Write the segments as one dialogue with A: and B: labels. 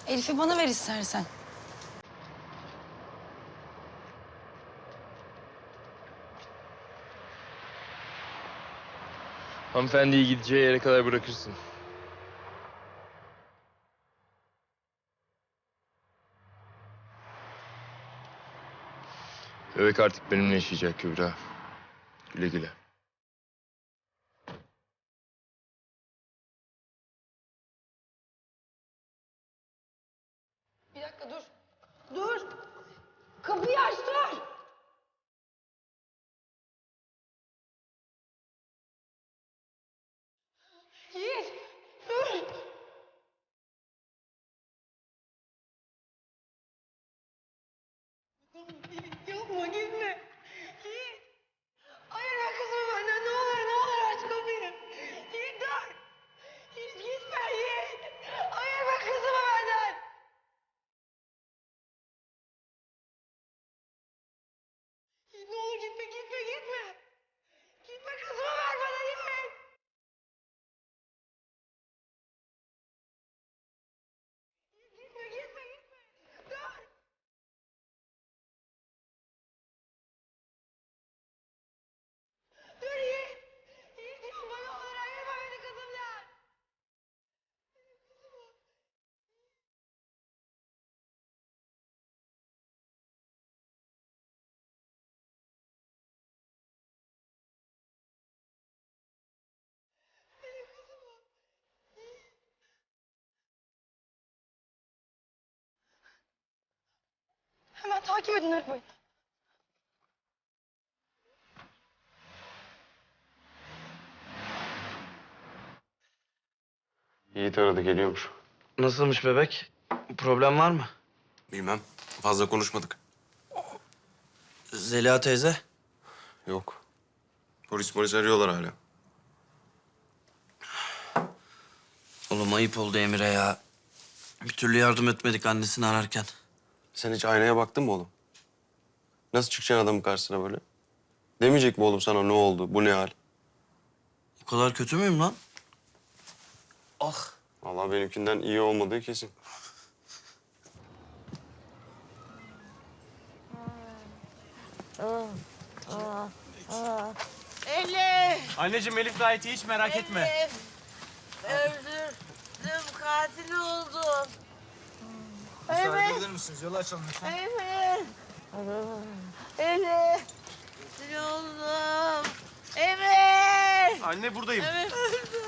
A: Elif'i bana ver istersen.
B: Hanımefendiyi gideceği yere kadar bırakırsın. Bebek artık benimle yaşayacak Kübra. Güle güle.
A: Bir dakika dur. Dur. Kapıyı aç dur. Yiğit dur. Yapma gitme. Yiğit. Ayırma kızımı benden ne olur aç kapıyı. Yiğit dur. Yiğit gitme Yiğit. Ayırma kızımı benden. Yiğit ne olur gitme. Gitme kızımı ver bana Yiğit. Gitme. Dur. Dur Yiğit. Yiğit yapma ne olur ayırma beni kızımdan. Hemen takip edin arabayı.
C: Yiğit aradı, geliyormuş.
D: Nasılmış bebek? Problem var mı?
C: Bilmem. Fazla konuşmadık.
D: Zeliha teyze?
C: Yok. Polis arıyorlar hala.
D: Oğlum ayıp oldu Emir'e ya. Bir türlü yardım etmedik annesini ararken.
C: Sen hiç aynaya baktın mı oğlum? Nasıl çıkacaksın adamın karşısına böyle? Demeyecek mi oğlum sana ne oldu, bu ne hal?
D: O kadar kötü müyüm lan? Ah.
C: Vallahi benimkinden iyi olmadığı kesin.
E: Elif!
F: Anneciğim Elif gayet iyi, hiç merak etme.
E: Elif! Öldürdüm, katil oldum.
F: Müsaade
E: Evet.
F: eder misiniz? Yolu açalım lütfen.
E: Elif! Elif! Katil oldum. Emir!
F: Anne buradayım.
E: Emir öldü.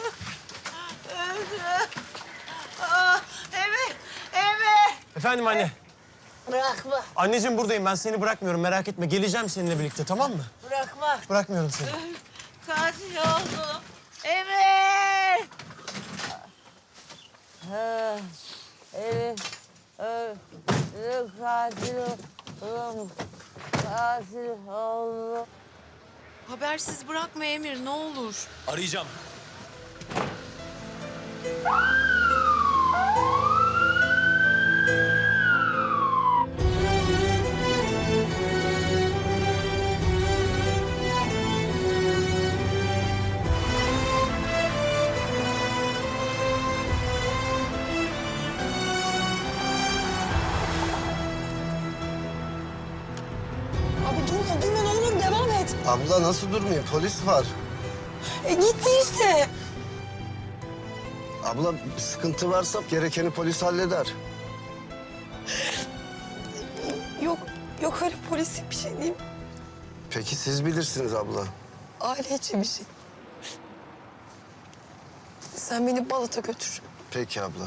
E: Emir!
F: Efendim anne.
E: Bırakma,
F: Anneciğim buradayım. Ben seni bırakmıyorum. Merak etme. Geleceğim seninle birlikte, tamam mı?
E: bırakma.
F: Bırakmıyorum seni.
E: Katil oldum. Emir! Elif öldü, katil oldum. Katil oldum.
G: Habersiz bırakma Emir, ne olur.
F: Arayacağım.
A: Abi durma ne olur devam et.
H: Abla nasıl durmuyor? Polis var.
A: Gitti işte.
H: Abla bir sıkıntı varsa gerekeni polis halleder.
A: Yok öyle polislik bir şey değil.
H: Peki siz bilirsiniz abla.
A: Aile içi bir şey. Sen beni Balat'a götür.
H: Peki abla.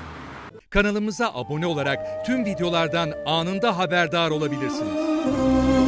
I: Kanalımıza abone olarak tüm videolardan anında haberdar olabilirsiniz.